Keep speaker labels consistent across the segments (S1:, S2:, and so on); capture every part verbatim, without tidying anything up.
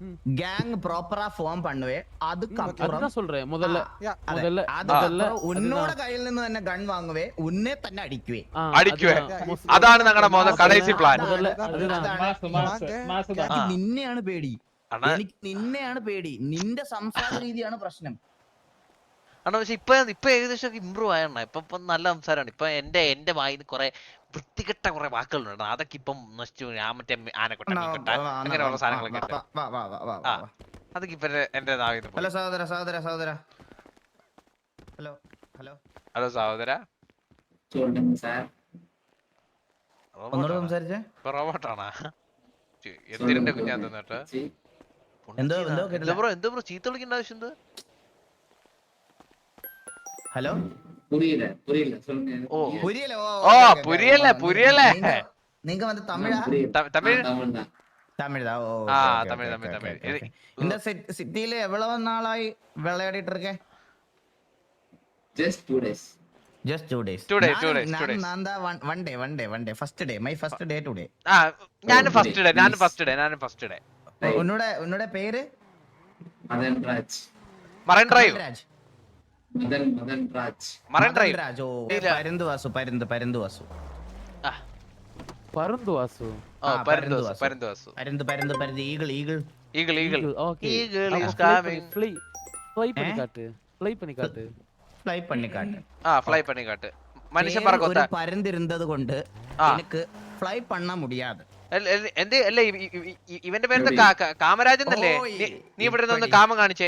S1: Gang ப்ராப்பரா form பண்ணுவே அதுக்கு
S2: அதுதான் சொல்றேன் முதல்ல முதல்ல
S1: முதல்ல உன்னோட கைയിൽ നിന്ന് തന്നെ ഗൺ വാങ്ങുവേ ഉന്നെ തന്നെ അടിക്കുവേ
S3: അടിക്കുവേ അതാണ് ഞങ്ങളുടെ മുതൽ കടൈസി പ്ലാൻ
S1: എനിക്ക് നിന്നെയാണ് പേടി എനിക്ക് നിന്നെയാണ് പേടി നിന്റെ സംസാര രീതിയാണ് പ്രശ്നം
S3: ആണോ പക്ഷെ ഇപ്പൊ ഇപ്പൊ ഏകദേശം ഇമ്പ്രൂവ് ആയണ ഇപ്പൊ ഇപ്പൊ നല്ല സംസാരമാണ് ഇപ്പൊ എന്റെ എന്റെ വായിന്ന് കുറെ വൃത്തികെട്ട കുറെ വാക്കുകളുണ്ട് അതൊക്കെ ഇപ്പം നശിച്ചു ഞാൻ മറ്റേ ആനക്കൊട്ട അങ്ങനെയുള്ള സാധനങ്ങളൊക്കെ അതൊക്കെ ഇപ്പൊ എന്റെ
S1: ഹലോ സഹോദര സഹോദര സഹോദര ഹലോ ഹലോ
S3: ഹലോ സഹോദര
S1: ഒന്നോട് സംസാരിച്ചേ
S3: റോബോട്ടാണാ എന്തിന്റെ കുഞ്ഞാ തന്നിട്ട്
S1: എന്തോ എന്തോ
S3: എന്താ ബ്രോ എന്താ ബ്രോ ചീത്ത വിളിക്കേണ്ട ആവശ്യം എന്ത്
S1: ഹലോ
S4: புரியல புரியல சொல்லுங்க
S3: ஓ
S1: புரியல
S3: ஓ புரியல புரியல
S1: நீங்க வந்து தமிழா
S3: தமிழ்
S4: தமிழ் தான்
S1: தமிழ் தான் ஓ
S3: ஆ தமிழ் தமிழ் தமிழ்
S1: இந்த சிட்டில எவ்வளவு நாளாയി விளையாடிட்டு இருக்கே
S4: just two days
S1: just two days
S3: two days two days two days
S1: நான் தான் one day one day one day first day my first day today
S3: ആ ഞാൻ ഫസ്റ്റ് ഡേ ഞാൻ ഫസ്റ്റ് ഡേ ഞാൻ ഫസ്റ്റ് ഡേ
S1: ഉന്നോட ഉന്നോட പേര്
S4: Madan Raj
S3: marine drive
S1: Raj
S4: Madan Madan Raj
S3: marine drive
S1: Raj ഓ പരന്തു വാസു പരന്തു പരന്തു വാസു
S3: ആ
S2: പരന്തു വാസു
S3: ഓ പരന്തു വാസു പരന്തു വാസു
S1: പരന്തു പരന്തു പരന്തു eagle eagle
S3: eagle eagle
S2: okay
S3: eagle is coming
S2: fly fly பண்ணி காட்டு ഫ്ലൈ பண்ணி காட்டு
S1: ഫ്ലൈ பண்ணி காட்டு
S3: ആ ഫ്ലൈ பண்ணி காட்டு മനുഷ്യൻ പറക്കോത്ത
S1: ഒരു പരന്ത് ഇരുന്നത് കൊണ്ട് എനിക്ക് ഫ്ലൈ பண்ண முடியாது
S3: എന്ത് അല്ല ഇവന്റെ പേര് കാമരാജ് എന്നല്ലേ നീ ഇവിടെ നിന്ന് കാമം കാണിച്ചേ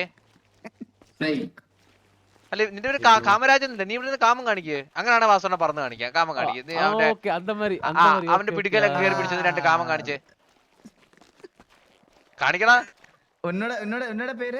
S3: അല്ലെ നിന്റെ പേര് കാമരാജൻ അല്ലേ നീ ഇവിടെ നിന്ന് കാമം കാണിക്കേ അങ്ങനെയാണ് വാസോണ പറന്ന് കാണിക്കുക കാമം കാണിക്കുക അവന്റെ പിടിക്കലൊക്കെ കയറി പിടിച്ചത് രണ്ട് കാമം കാണിച്ചേ കാണിക്കടാ
S1: ഉന്നോட ഉന്നോட ഉന്നോட പേര്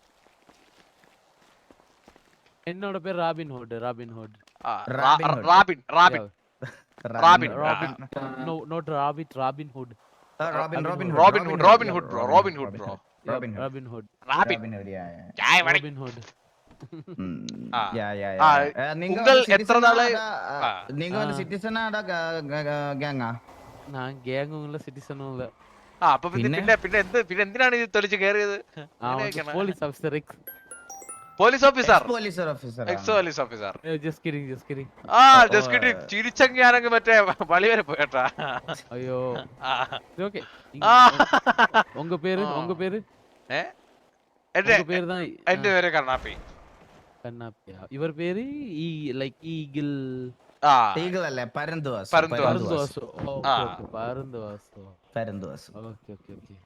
S2: എന്നോட പേര് Robin Hood Robin Hood
S3: Robin Robin Robin
S2: no not rabbit robin hood
S1: robin robin
S3: robin hood robin hood bro robin hood bro
S1: robin
S2: robin hood
S3: robin
S2: jai robin hood
S1: യാ യാ യാ നിങ്ങൾ എത്ര നാളായി നിങ്ങൾ ഒരു സിറ്റിസൺ ആടാ ഗാങ്ങാ
S2: ഞാൻ ഗാങ്ങും ഇല്ല സിറ്റിസണും ഇല്ല
S3: ആ അപ്പൊ പിന്നെ പിന്നെ എന്ത് പിന്നെ എന്തിനാണ് ഇത് തൊളിച്ച് കേറിയത്
S2: police officer
S3: police officer
S1: police officer
S3: ex police officer
S2: just kidding just kidding
S3: ആ ജസ്റ്റ് കിഡിങ് ചിരിച്ചങ്ങി ഞാനങ്ങ് മറ്റേ വളി വരെ പോയട്ടാ
S2: അയ്യോ ഓക്കേ ഉங்க പേര് ഉங்க പേര്
S3: ഏ എന്റെ
S2: പേര് தான்
S3: എന്റെ പേര് കർണാപ്പി
S2: കർണാപ്പി ഇവർ പേര് ഈ ലൈക്ക് ഈഗിൾ
S3: ആ
S1: ഈഗിൾ അല്ലേ പരന്തുവാസ്
S2: പരന്തുവാസ് ഓക്കേ പരന്തുവാസ്
S1: പരന്തുവാസ്
S2: ഓക്കേ ഓക്കേ ഓക്കേ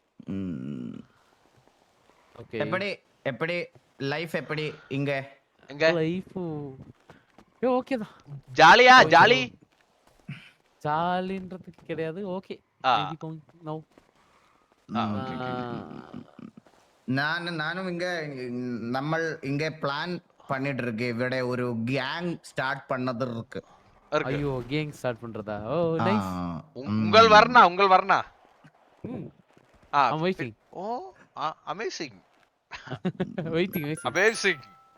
S1: ഓക്കേ എപ്പടി എപ്പടി லைஃப் எப்படி இங்க
S3: இங்க
S2: லைஃப் ஏ ஓகே தான்
S3: ஜாலியா ஜாலி
S2: ஜாலின்றதுக்கு கிடையாது ஓகே மேபி கம் நோ
S1: நான் நானும் இங்க നമ്മൾ இங்க பிளான் பண்ணிட்டு இருக்கு ഇവിടെ ஒரு கேங் ஸ்டார்ட் பண்ணது இருக்கு
S2: ஐயோ கேங் ஸ்டார்ட் பண்றதா ஓ நைஸ்
S3: உங்கள் வர்ணா உங்கள் வர்ணா
S2: ah I am waiting
S3: oh amazing
S2: waiting waiting
S3: amazing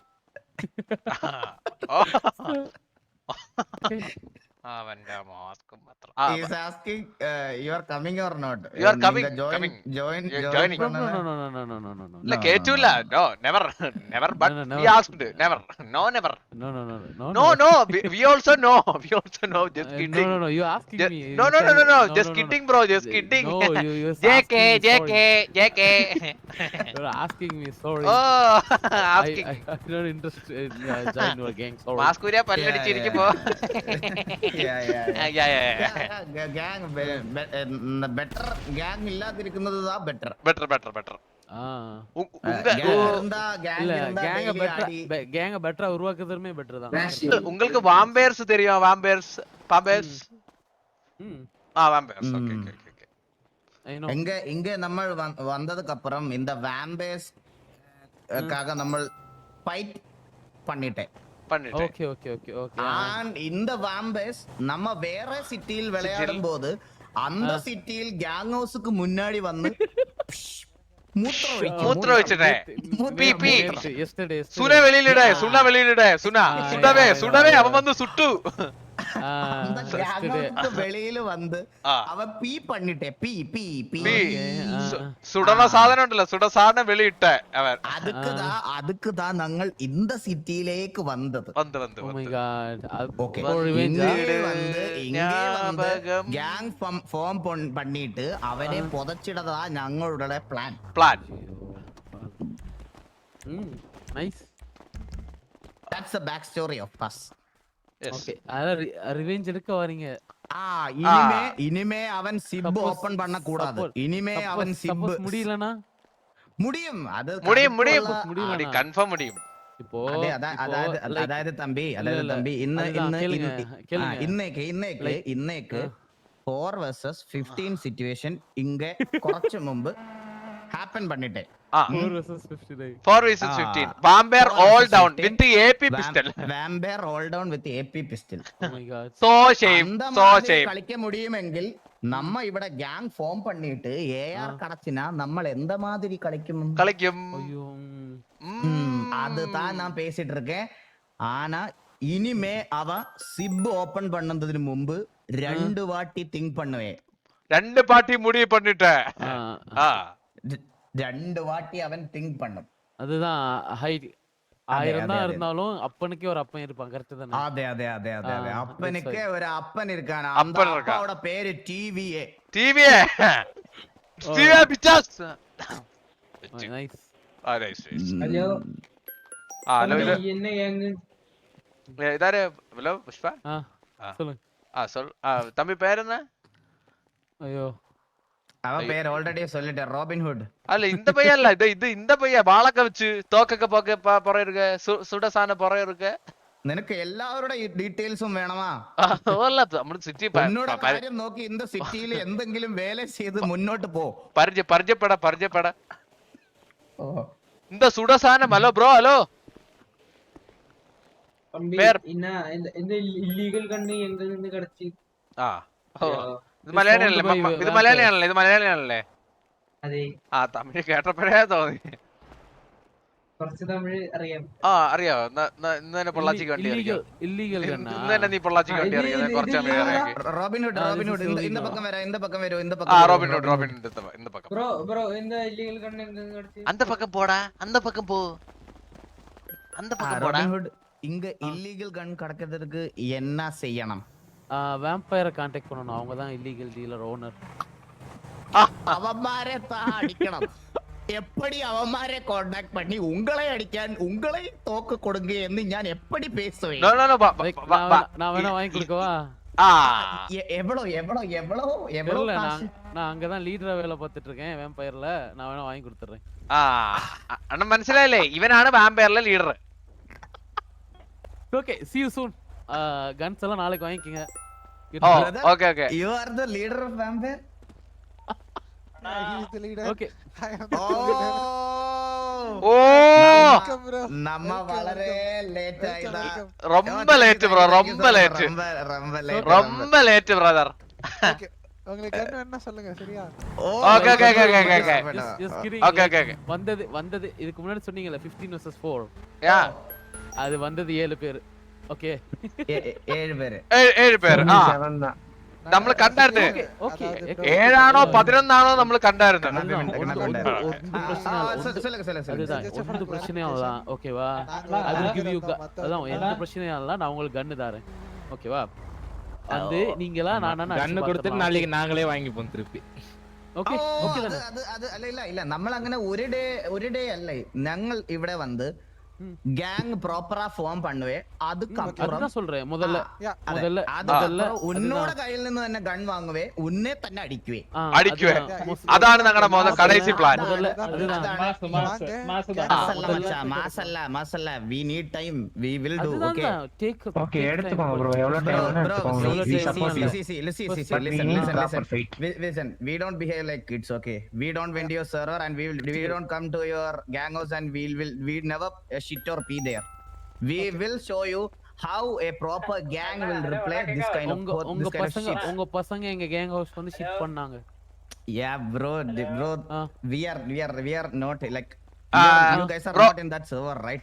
S3: അവന്റെ മാസ്കും മാത്രം
S1: he is asking uh, you are coming or not
S3: you are coming
S1: join
S3: coming
S1: join
S3: joining
S2: no no no no no no no no no
S3: la ketula no never never but
S2: no, no,
S3: we asked never no never
S2: no no no
S3: no no no we, we also know we also know just
S2: uh,
S3: kidding
S2: no no no you asking
S3: just,
S2: me
S3: no no no no no just
S2: no,
S3: kidding
S2: no.
S3: bro just kidding
S2: no you you
S3: jk jk jk
S2: you're asking me sorry
S3: oh asking
S2: I, I, I don't interested in uh, join your gang sorry
S3: മാസ്കുരിയ പല്ലടിച്ചിരിക്കുമ്പോ
S1: yeah yeah
S3: yeah yeah
S1: gang better gang ഇല്ലാതിരിക്കുന്നത് தான் better
S3: better better better
S2: ஆ
S3: உங்க
S1: இருந்தா gang
S2: இல்ல
S1: இருந்தா
S2: gang பெட்டரா gang பெட்டரா உருவாக்குறதுமே better தான்
S3: உங்களுக்கு வாம்பயர்ஸ் தெரியும் vampires vampires
S2: hmm
S3: ah vampires okay okay okay
S2: I know
S1: இங்க இங்க നമ്മൾ வந்ததுக்கு அப்புறம் இந்த வாம்பயர்ஸ் காக നമ്മൾ ஃபைட் பண்ணிட்டேன்
S3: பண்ணிட்டேன்
S2: okay okay okay okay
S1: and இந்த வாம்பயர்ஸ் நம்ம வேற சிட்டியில் விளையாடும் போது அந்த சிட்டியில் கேங் ஹவுஸ்க்கு முன்னாடி வந்து
S3: மூത്ര വെച്ചിട്ടേ പി പി
S2: yesterday
S3: സുന വെളിയിലിടേ സുന വെളിയിലിടേ സുന സുടവേ സുടവേ അവൻ വന്ന് സുട്ടു
S1: அந்த gang விட்டு வெளியில வந்து
S3: ആ
S1: அவன் பீ பண்ணிட்டே பீ பீ பீ
S3: പീ.
S2: ആ,
S3: സു-
S2: ആ.
S3: സുടണ സാധനം ഉണ്ടല്ലോ സുട സാധനം വെളിയിട്ട അവൻ
S1: அதுக்கு தான் அதுக்கு தான் நாங்கள் இந்த சிட்டியிലേക്ക് வந்தது.
S3: വന്ന് വന്ന്
S2: Oh my
S3: വന്ന്
S2: god. അത്
S1: ஓகே
S2: for revenge ஆ?
S1: இங்கே வந்து இங்கே வந்து
S3: ஞாபகம்.
S1: கேங் ஃபார்ம் பண்ணிட்டு அவனை புதைச்சிடதா ഞങ്ങളുടെ plan.
S3: Plan
S2: hmm nice.
S1: That's the back story of us.
S2: Okay அதான் ரிவெஞ்ச் எடுக்க வரீங்க.
S1: ஆ இனிமே இனிமே அவன் சிப்
S2: Suppose-
S1: ஓபன் பண்ண கூடாது.
S2: suppose-
S1: இனிமே அவன்
S2: Suppose-
S1: சிப்
S2: suppose முடியலனா
S1: முடியும். அது
S3: முடியும் முடியும்
S1: கருத்துள்ள-
S2: முடியலனா?
S3: മുടി കൺഫേം മുടിയും
S2: இப்போ
S1: அதே அதான்
S2: இப்போ
S1: அதாவது
S2: like-
S1: அதாவது தம்பி
S2: இல்ல,
S1: அதாவது
S2: இல்ல.
S1: தம்பி இன்ன
S2: அதுதான்,
S1: இன்ன
S2: கேளுங்க,
S1: இன்ன-
S2: கேளுங்க.
S1: ஆ, இன்னைக்கு இன்னைக்கு
S2: Like-
S1: இன்னைக்கு
S2: ஆ.
S1: ഫോർ വേഴ്സസ് ഫിഫ്റ്റീൻ സിറ്റുവേഷൻ ഇങ്ങ കുറച്ച് മുമ്പ് ഹാപ്പൻ பண்ணிட்டேன்.
S3: Ah
S2: four versus fifty-nine.
S3: Four versus
S1: ah.
S3: Fifteen vampire
S1: Four
S3: all
S1: versus
S3: down
S1: fifteen.
S3: With a p pistol
S1: vampire all down with a p pistol.
S2: Oh my god.
S3: So shame
S1: அந்த
S3: so
S1: மாதிரி
S3: shame
S1: കളിக்க முடியுமெങ്കിൽ நம்ம ഇവിടെ gang form பண்ணிட்டு AR கடச்சினா நம்ம எந்த மாதிரி കളിக்கும்?
S3: കളിക്കും
S2: ஐயோ. ம்.
S1: ம், அதுதான் நான் பேசிட்டு இருக்கேன். ஆனா இனிமே அவன் சிப் ஓபன் பண்ணதுக்கு முன்பு ரெண்டு வாட்டி திங்க் பண்ணுவேன்.
S3: രണ്ട് പാർട്ടി മുടി പണിട്ട
S2: ஆ,
S3: ആ
S1: ர- ரெண்டு வாட்டி அவன் திங்க் பண்ணும்.
S2: அதுதான் ஹைட் ஆயிரம்
S1: அதே,
S2: தான்
S1: அதே.
S2: இருந்தாலும் அப்பனுக்கே ஒரு அப்பன் இருப்பான். கரெக்ட் தானே?
S1: അതെ അതെ അതെ അതെ അതെ
S2: ആ,
S1: അപ്പനക്ക്
S2: that's
S1: ഒരു അപ്പൻ ഇരിക്കാണ്.
S3: അപ്പൻ ഇരിക്കാ.
S1: അപ്പയുടെ പേര് ടി വി എ.
S3: ടിവിയെ ടിവിയെ പിച്ചാസ്
S2: nice.
S3: Ah nice nice
S4: hello
S3: ah hello ഇത്
S4: என்ன கேங்கு
S3: ഏ, ഇതാര് ഹലോ പുഷ്പ
S2: ஆ
S3: ஆ.
S2: சொல்லுங்க.
S3: ആ സോൾ ആ തമ്പി പേരെന്നാ
S2: ஐயோ.
S1: അവൻ പേര് ഓൾറെഡി சொல்லிட்டேன், റോബിൻ ഹുഡ്.
S3: അല്ല இந்த பையன் இல்ல இது இது இந்த பையன் வாழக்க வச்சு தோக்கக்க போக்க புற இருக்கு சுடசான புற இருக்கு
S1: നിനക്ക് എല്ലാവരുടെ ഡീറ്റെയിൽസും വേണമാ?
S3: അല്ല നമ്മുടെ സിറ്റി
S1: ഉന്നോട് കാര്യം നോക്കി இந்த സിറ്റിയിൽ എന്തെങ്കിലും വേല ചെയ്ത് മുന്നോട്ട് പോ.
S3: പരിചയ പരിചയപ്പെട പരിചയപ്പെട இந்த சுடசானம் ஹலோ ப்ரோ ஹலோ
S4: தம்பி
S3: பேர்.
S4: என்ன இந்த இந்த இல்லீகல் கண்ணு எங்க இருந்து கிடைச்சி
S3: ആ ഓ ഇത് മലയാളിയാണല്ലേ
S2: Sound by
S3: മ- ഇത്
S2: vampire.
S3: മലയാളിയാണല്ലേ ഇത് മലയാളിയാണല്ലേ
S4: അതെ
S3: ആ തമിഴ് കേട്ടപ്പോഴേ തോന്നി
S4: കുറച്ച് തമിഴ് അറിയാം.
S3: ആ അറിയാവോ എന്നാ- എന്നാ ഇന്ന് തന്നെ പൊള്ളാച്ചിക്ക് വണ്ടി അറിയാം
S2: இல்லீகல் கண்ணா.
S3: ഇന്ന് തന്നെ നീ പൊള്ളാച്ചിക്ക് വണ്ടി
S4: ഇത്
S3: അറിയാം
S4: ഇത്
S3: കുറച്ച്
S4: ഇത്
S3: തമിഴ് അറിയാം
S1: Robin Hood
S2: ah,
S1: Robin
S2: this
S1: Hood
S2: is
S1: இந்த
S2: Robin
S1: இந்த
S2: Hood.
S1: பக்கம் வர இந்த பக்கம் வரும் இந்த
S3: ആ
S1: பக்கம் வரும்.
S3: റോബിൻ ഹുഡ് റോബിൻ ഹുഡ് இந்த- இந்த பக்கம்
S4: ப்ரோ ப்ரோ இந்த இல்லீகல் கண்ணு எங்க இருந்து கிடைச்சி?
S3: அந்த பக்கம் போடா அந்த பக்கம் போ அந்த
S1: ஆ,
S3: பக்கம் போடா
S1: റോബിൻ ഹുഡ് இங்க இல்லீகல் கன் கடக்கிறதுக்கு என்ன செய்யணும்?
S2: வேம்பயரை கான்டாக்ட் பண்ணணும். அவங்க தான் இல்லீகல் டீலர் ஓனர்.
S1: അവന്മാരെ താ അടിക്കണം. എപ്പടി അവന്മാരെ കോണ്ടാക്ട് பண்ணி உங்களை அடிക്കാൻ உங்களை തോക്ക് കൊടുങ്ക എന്ന് ഞാൻ എപ്പടി പേസുവേ?
S3: நோ நோ நோ பா
S2: Like,
S3: பா
S2: நான்
S3: பா
S2: வேணா- நான் வேணா வாங்கி கொடுக்கவா?
S3: ஆ
S1: எ- எவ்வளோ எவ்வளோ எவ்வளோ எவ்வளோ
S2: தெரியல.
S1: காசு?
S2: நான் நான் அங்கதான் லீடரா வேலை பார்த்துட்டு இருக்கேன் வேம்பயர்ல. நான் வேணா வாங்கி கொடுத்துறேன்.
S3: ആ അണ്ണൻ മനസ്സിലായില്ലേ ഇവനാണ് വാമ്പയറിലെ leader
S2: okay see you soon. Guns எல்லாம் நாளைக்கு வாங்கிக்கங்க.
S3: Oh
S1: Brother,
S3: okay okay
S1: You are the leader of vampire?
S5: He's the leader.
S2: Okay.
S5: I am the
S1: Oh!
S5: leader.
S3: Oh
S5: Welcome, bro.
S1: നമ്മ
S5: Welcome,
S1: വളരെ
S5: welcome.
S1: ലേറ്റ് ആയതാ.
S5: Welcome.
S3: ரொம்ப late bro ரொம்ப late
S1: ரொம்ப ரொம்ப late,
S3: ரொம்ப லேட் பிரதர்
S5: Okay. உங்களுக்கு என்ன வேணா சொல்லுங்க சரியா?
S1: Oh,
S3: Okay, okay, okay, okay, okay, okay.
S2: Just- just kidding.
S3: Okay okay okay
S2: வந்தது வந்தது இதுக்கு முன்னாடி சொன்னீங்கல்ல fifteen versus four.
S3: யா
S2: அது வந்தது ஏழு பேர். ஓகே.
S1: ഏ- ഏ- ഏഴ് പേര്.
S3: ഏഴ് പേര് ആ നമ്മൾ കണ്ടായിരുന്നു
S2: ஓகே.
S5: அதாவது
S3: ഏഴാണോ പതിനൊന്നാണോ നമ്മൾ കണ്ടായിരുന്നു
S1: കണ്ണാപ്പി മിണ്ട- കണ്ണാപ്പി മിണ്ട.
S2: ஒன்று
S1: ആ,
S2: பிரச்சனை
S1: ആ,
S2: இல்ல.
S1: சொ-
S2: ஒன்று-
S1: சொல்லுங்க சொல்லுங்க சொல்லுங்க.
S2: அதுதான்
S5: Just a
S2: ஒன்று
S5: fact.
S2: பிரச்சனையும் அதான் ஓகேவா?
S5: நாங்களும்
S2: அது
S5: அதான்
S2: give you
S5: இருக்கோம்,
S2: gu-
S5: மத்த-
S2: அதான் எந்த பிரச்சனையும் இல்ல. நான் உங்களுக்கு கன்னு தரேன். ஓகேவா? வந்து நீங்களா நானா
S6: கண்ணு கொடுத்துட்டு நாளைக்கு நாங்களே வாங்கிப்போம் திருப்பி.
S2: ஓகே.
S1: ഓ,
S2: ஓகே
S1: അത്
S2: தானே?
S1: അത് അത് അല്ല ഇല്ല ഇല്ല നമ്മൾ അങ്ങനെ ഒരു ഡേ ഒരു ഡേ അല്ല ഞങ്ങൾ ഇവിടെ വന്ന് ഗ്യാങ് പ്രോപ്പറാ ഫോം பண்ணுவே. அதுக்கப்புறம்
S2: அதுதான் சொல்றேன். முதல்ல
S5: Yeah.
S1: അതെ,
S2: முதல்ல
S1: അതുക്കப்புறம்
S2: முதல்ல
S1: ഉന്നോട് കയ്യിൽ നിന്ന് തന്നെ ഗൺ വാങ്ങുവേ, ഉന്നെ തന്നെ അടിക്കുവേ.
S2: ஆ,
S3: அடிக்குவே.
S2: அதுதான். most-
S3: അതാണ് ഞങ്ങളുടെ മുതൽ കടൈസി പ്ലാൻ
S2: முதல்ல
S1: അതാണ്-
S2: அதுதான்.
S1: അതാണ്.
S5: வாங்க.
S1: മാസല്ല മച്ചാ, മാസല്ല മാസല്ല. We need time. We will do.
S2: அதுதான்
S1: Okay.
S2: தான். Take
S7: Okay,
S2: take
S7: எடுத்துக்கோங்க
S2: time.
S7: bro. எவ்வளவு
S1: Bro,
S7: time வேணா
S1: bro,
S7: எடுத்துக்கோங்க.
S2: எவ்வளவு
S1: see,
S7: We
S2: time
S1: see,
S7: support
S1: see,
S7: you.
S1: see, see, see, see, see,
S7: But we
S1: listen,
S7: need
S1: listen,
S7: proper
S1: listen.
S7: fight.
S1: We- Listen, we don't behave like kids, okay? We don't went to your server and we will, we don't come to your gang house and we will, we never uh, shit or pee there. We will show you how a proper gang will replay this kind of
S2: உங்க
S1: co-
S2: உங்க
S1: this kind of
S2: பசங்க
S1: shit.
S2: உங்க பசங்க எங்க gang house வந்து shit பண்ணாங்க.
S1: Yeah, bro, d- bro,
S2: ah.
S1: we are, we are, we are not like.
S3: Ah,
S1: you are- you guys are
S3: bro.
S1: not in that server, right?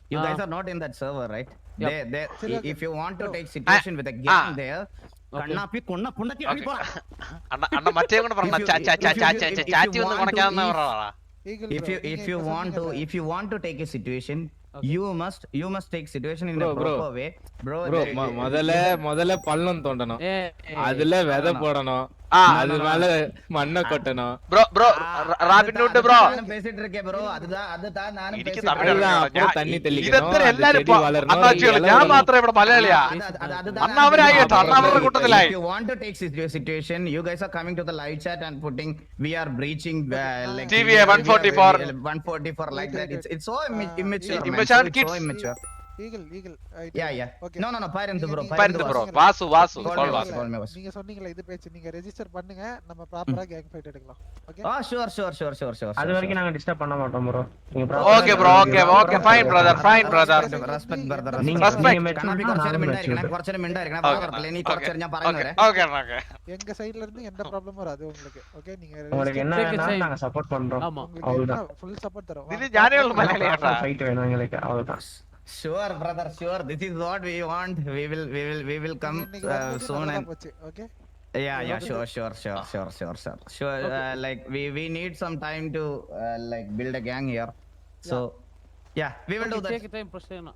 S1: You guys
S2: Ah.
S1: are not in that server, right?
S2: Yep.
S1: They, they,
S5: Seri,
S1: i-
S5: okay.
S1: if you want to
S5: Bro.
S1: take situation with a gang
S3: Ah.
S1: there, കണ്ണാപ്പി കൊണ്ണ പുണ്ണക്കി
S3: Okay.
S1: അടിപ്പോടാ.
S3: അണ്ണ അണ്ണ മറ്റേ കൊണ്ട് പറഞ്ഞ
S1: If you-
S3: ചാ ചാ ചാ
S1: if you-
S3: ചാ
S1: if
S3: ചാ
S1: you-
S3: ചാ
S1: if you
S3: ചാറ്റി ഒന്ന്
S1: want to
S3: കൊണക്കാന്ന്
S1: eat-
S3: പറയടാ.
S5: Eagle
S1: If
S5: bro,
S1: you
S5: நீங்க
S1: if you
S5: இப்ப
S1: want to
S5: சொன்னீங்கல்ல.
S1: if you want to take a situation,
S2: Okay.
S1: you must you must take situation in
S6: Bro,
S1: a
S6: bro.
S1: proper way, bro.
S6: Bro
S1: there- there-
S6: முதல்ல முதல்ல பள்ளம் தோண்டணும்
S2: ஏ
S6: அதுல விதை போடணும்
S3: ஆ.
S6: அது மேல மண்ணை கொட்டணும்
S3: ബ്രോ ബ്രോ
S1: Ah,
S3: റാബിൻ
S1: அதுதான்
S3: ஹுட் ബ്രോ
S1: நானும் பேசிட்டு இருக்கேன் bro. அதுதான் அதுதான் நானும்
S3: എനിക്ക്
S1: பேசிட்டு
S3: തമിഴ്
S1: இருக்கேன்.
S6: அதுதான்
S3: അറിയാം.
S6: அப்புறம்
S3: ഞാൻ-
S6: தண்ணி
S3: ഇ-
S6: தெளிக்கணும்,
S3: ഇതെന്തിനാ
S6: அந்த
S3: എല്ലാരും
S6: செடி வளரணும்,
S3: അണ്ണാച്ചികള്
S6: ഇല
S3: ഞാൻ
S6: വരണം.
S3: മാത്രം ഇവിടെ മലയാളിയാ
S1: അത്- അത്- അത്- അതുதான்
S3: അണ്ണ
S1: நானும்
S3: അവരായി
S1: பேசிட்டு
S3: കേട്ടോ, അണ്ണ
S1: இருக்கேன்.
S3: അവരുടെ കൂട്ടത്തിലായി.
S1: If you want to take situ- situation, you guys are coming to the live chat and putting we are breaching uh, like
S3: T V A
S1: we are-
S3: one forty-four.
S1: we are- one forty-four like that. It's it's so imma-
S5: Ah,
S1: immature. man.
S3: immature
S1: So it's
S3: kids.
S1: so immature.
S5: Eagle, eagle. I
S1: Yeah,
S5: tell you.
S1: yeah.
S5: Okay.
S1: No, no, no. Parent bro.
S5: நீங்க-
S3: பருந்து bro
S5: நீங்க-
S3: வாசு வாசு
S5: நீங்க
S1: Call me
S3: கால்
S1: boss,
S3: Vasu
S1: call me boss.
S5: நீங்க சொன்னீங்கல்ல இது பேச்சு நீங்க register பண்ணுங்க நம்ம ப்ராப்பரா கேங் ஃபைட் எடுக்கலாம் okay
S1: Oh, sure, sure, sure, sure, sure.
S7: அது
S1: sure,
S7: வரைக்கும்
S1: sure.
S7: நாங்க டிஸ்டர்ப் பண்ண மாட்டோம் bro
S3: okay bro okay okay fine brother fine brother
S1: Respect, brother.
S7: நீங்க
S1: Respect.
S3: Respect.
S7: நீங்க
S1: കണ്ണാപ്പി
S7: மெச்சூர்னா
S1: കുറച്ചേരം
S7: நானும்
S1: മിണ്ടായിരിക്കണേ,
S7: மெச்சூர்
S1: കുറച്ചേരം മിണ്ടായിരിക്കണേ.
S3: Okay.
S1: വാ തുറക്കല്ലേ, നീ
S3: Okay.
S1: കുറച്ചേരം ഞാൻ പറയുന്നത്
S3: ஓகே
S1: വരെ.
S3: ஓகே ஓகே
S5: எங்க சைடுல இருந்து எந்த ப்ராப்ளமும் வராது உங்களுக்கு ஓகே நீங்க
S7: உங்களுக்கு என்ன
S2: Take a
S7: வேணாலும்
S2: side.
S7: நாங்க சப்போர்ட் பண்றோம்
S2: ஆமா
S7: அவ்வளவுதான்.
S5: ஃபுல் சப்போர்ட் தரோம்
S3: இது ഞാനേ ഉള്ളു മലയാളിയാട്ടാ
S7: ஃபைட் வேணும் எங்களுக்கு அவ்வளவுதான்.
S1: Sure, brother, sure. This is what we want. We will, we will, we will come uh, soon and
S5: போச்சு okay
S1: yeah, yeah, sure, sure, sure, sure, sure, sure, sure. Uh, like we, we need some time to uh, like build a gang here. So yeah, we will do that.
S2: Take time പ്രശ്നം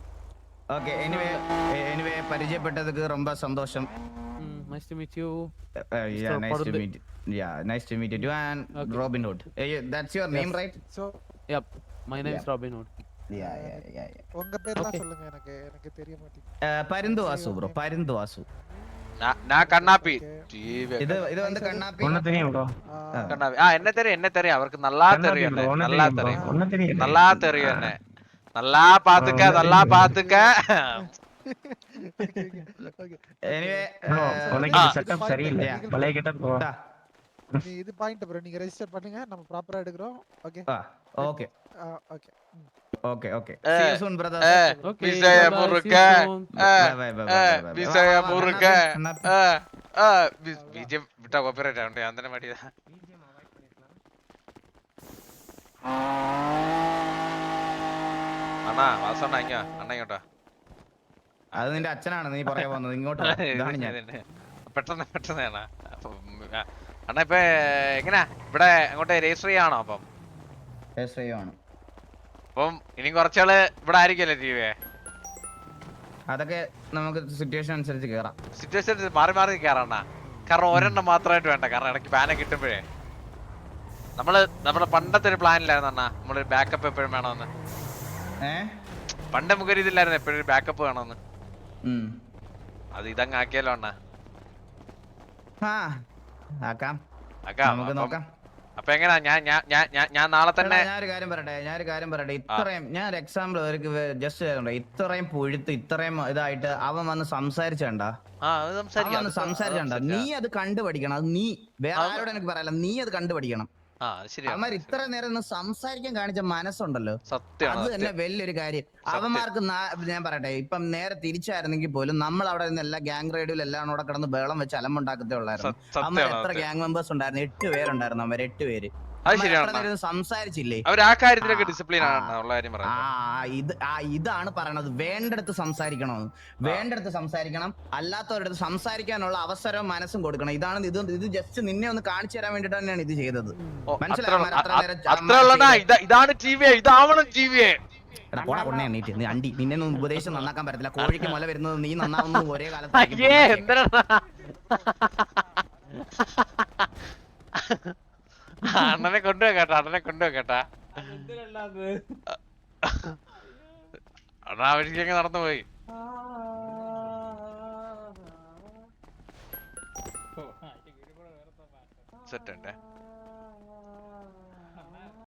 S1: Okay. Anyway, eh, anyway, പരിചയപ്പെട്ടதுக்கு ரொம்ப சந்தோஷம்.
S2: Nice to meet you
S1: Uh, uh, yeah,
S2: Mister
S1: nice to
S2: Parundu.
S1: meet. Yeah, nice to meet you too. And
S2: Okay.
S1: Robin Hood. Eh, you- that's your name, right?
S5: So
S2: yup my name is
S1: Yeah.
S2: Robin Hood
S1: Yeah, yeah, yeah, yeah.
S5: உங்க பேர்லாம்
S2: Okay.
S5: சொல்லுங்க எனக்கு எனக்கு தெரிய மாட்டேங்குது
S1: Uh, Parunthu Vasu bro, Parunthu Vasu.
S3: நான் கண்ணாப்பி
S1: ഇത് ഇത് வந்து കണ്ണാപ്പി.
S7: ஒண்ணு தெரியும் ப்ரோ.
S3: கண்ணாப்பி ஆ என்ன தெரியும் என்ன தெரியும் அவருக்கு நல்லா தெரியும் என்ன
S7: ஒண்ணு
S3: நல்லா
S7: தெரியும் bro.
S3: தெரியும்
S7: ஒண்ணு தெரியும்.
S3: நல்லா தெரியும் என்ன நல்லா பாத்துக்க நல்லா பாத்துக்க
S5: ஓகே
S1: Anyway,
S7: Bro,
S1: uh,
S7: உனக்கு
S3: ஆ.
S7: இந்த செட்டப் சரியில்லை.
S1: Yeah.
S7: பழைய கிட்ட போ.
S1: ah,
S5: நீ இது பாயிண்ட் ப்ரோ நீங்க ரெஜிஸ்டர் பண்ணுங்க நம்ம ப்ராப்பரா எடுக்கறோம் okay
S1: ah, okay,
S5: okay
S1: okay, okay.
S3: Eh,
S1: See you soon, brother.
S3: eh,
S2: okay
S3: விசய முறுக்க
S1: Bye, bye, bye, bye,
S3: eh,
S1: bye, bye.
S3: விசய
S1: வா, வா, வா,
S3: முறுக்க
S1: கண்ணாப்பி, கண்ணாப்பி.
S3: பிஜிஎம் விட்டா காப்பிரைட் ஆகும் அந்த மாதிரி അണ്ണാ വാസണ്ണ ഇങ്ങ അണ്ണ ഇങ്ങോട്ടാ
S1: അത് നിന്റെ അച്ഛനാണ് നീ പറയാൻ പോകുന്നത്. ഇങ്ങോട്ട് വാ. ഇതാണ് ഞാൻ.
S3: പെട്ടെന്ന് പെട്ടെന്ന് അണ്ണാ അപ്പം ആ, അണ്ണാ ഇപ്പൊ എങ്ങനാ ഇവിടെ അങ്ങോട്ട് രജിസ്റ്റർ ചെയ്യാണോ അപ്പം
S1: ആണ്.
S3: അപ്പം ഇനി കുറച്ചാള് ഇവിടെ ആയിരിക്കല്ലേ ടി വി
S1: അതൊക്കെ നമുക്ക് സിറ്റുവേഷൻ അനുസരിച്ച് കേറാം.
S3: സിറ്റുവേഷൻ മാറി മാറി കയറണ്ണ കാരണം ഒരെണ്ണം മാത്രമായിട്ട് വേണ്ട കാരണം ഇടയ്ക്ക് ബാനെ കിട്ടുമ്പോഴേ നമ്മള് നമ്മുടെ പണ്ടത്തെ ഒരു പ്ലാനില്ലായിരുന്നു അണ്ണാ നമ്മളൊരു ബാക്കപ്പ് എപ്പോഴും വേണമെന്ന്
S1: ഏ
S3: പണ്ട് നമുക്കൊരു ഇതില്ലായിരുന്നു എപ്പോഴും ഒരു ബാക്കപ്പ് വേണമെന്ന്
S1: ഉം.
S3: അത് ഇതങ്ങ് ആക്കിയാലോ അണ്ണാ
S1: ആ ആക്കാം,
S3: ആക്കാം
S1: നമുക്ക്
S3: അപ്പം-
S1: നോക്കാം.
S3: അപ്പൊ എങ്ങനാ ഞാൻ ഞാൻ ഞാൻ ഞാൻ ഞാൻ നാളെ തന്നെ
S1: എടാ, ഞാനൊരു കാര്യം പറയട്ടെ ഞാനൊരു കാര്യം പറയട്ടെ ഇത്രയും ഞാൻ ഒരു എക്സാമ്പിൾ അവർക്ക് ജസ്റ്റ് ഇത്രയും പുഴുത്ത് ഇത്രയും ഇതായിട്ട് അവൻ വന്ന് സംസാരിച്ചണ്ട
S3: ആ അത്
S1: അവൻ
S3: സംസാരിക്കാം
S1: വന്ന്
S3: അത്
S1: സംസാരിച്ചണ്ട നീ
S3: സംസാരിക്കാം.
S1: അത് കണ്ടുപഠിക്കണം. അത് നീ വേറെ ആരോട് എനിക്ക് പറയല്ല, നീ അത് കണ്ടുപഠിക്കണം.
S3: ആ അത് ശരിയാ
S1: അവന്മാർ ഇത്ര നേരം ഒന്ന് സംസാരിക്കാൻ കാണിച്ച മനസ്സുണ്ടല്ലോ,
S3: സത്യമാണ്
S1: അത് തന്നെ
S3: സത്യം.
S1: വലിയൊരു കാര്യം. അവന്മാർക്ക് നാ- ഞാൻ പറയട്ടെ ഇപ്പം നേരെ തിരിച്ചായിരുന്നെങ്കിൽ പോലും നമ്മൾ അവിടെ നിന്ന് എല്ലാ ഗ്യാങ് റേഡിയോയിൽ എല്ലാം കൂടെ കിടന്ന് ബേളം വെച്ച് അലമ്പുണ്ടാക്കത്തേ ഉള്ളായിരുന്നു.
S3: സ-
S1: അമ്മ
S3: സത്യമാണ്
S1: എത്ര
S3: സത്യം.
S1: ഗ്യാങ് മെമ്പേഴ്സ് ഉണ്ടായിരുന്നു? എട്ട് പേരുണ്ടായിരുന്നു. അവർ എട്ട് പേര്
S3: അത്
S1: അമ്മ
S3: ശരിയാണ്
S1: എത്ര നേരം സംസാരിച്ചില്ലേ?
S3: അവർ ആ കാര്യത്തിലൊക്കെ
S1: ആ,
S3: ഡിസിപ്ലിൻ ആണ്
S1: ആ.
S3: ഉള്ള കാര്യം
S1: ആ
S3: പറയുന്നത്
S1: ഇത് ആ ഇതാണ് പറയണത്. വേണ്ടടുത്ത് സംസാരിക്കണമെന്ന്, വേണ്ടടുത്ത് സംസാരിക്കണം. അല്ലാത്തവരടുത്ത് സംസാരിക്കാനുള്ള അവസരവും മനസ്സും കൊടുക്കണം. ഇതാണ് ഇത് ഇത് ജസ്റ്റ് നിന്നെ ഒന്ന് കാണിച്ചു തരാൻ വേണ്ടിട്ട് തന്നെയാണ് ഇത് ചെയ്തത്.
S3: ഓ,
S1: മനസ്സിലായോ?
S3: അത്ര-
S1: അവന്മാർ അത്ര
S3: അ-
S1: നേരം
S3: അത്ര
S1: അമ്മ
S3: ഉള്ളടാ
S1: ചെയ്തത്.
S3: ഇതാ ഇതാണ് ടി വി ഇതാവണം ടി വി
S1: എടാ, പോടാ കൊണ്ടേ എണ്ണീറ്റ്. നീ അണ്ടി നിന്നെ ഒന്നും ഉപദേശം നന്നാക്കാൻ പറ്റത്തില്ല. കോഴിക്ക് മുല വരുന്നത് നീ നന്നാവുന്നത് ഒരേ കാലത്ത്
S3: അയ്യേ എന്തിനാ അണ്ണനെ കൊണ്ടുപോകേട്ടാ അണ്ണനെ കൊണ്ടുപോകേട്ടാ അണ്ണാ വഴിക്കൊക്കെ നടന്നു പോയി സെറ്റ് ഉണ്ടേ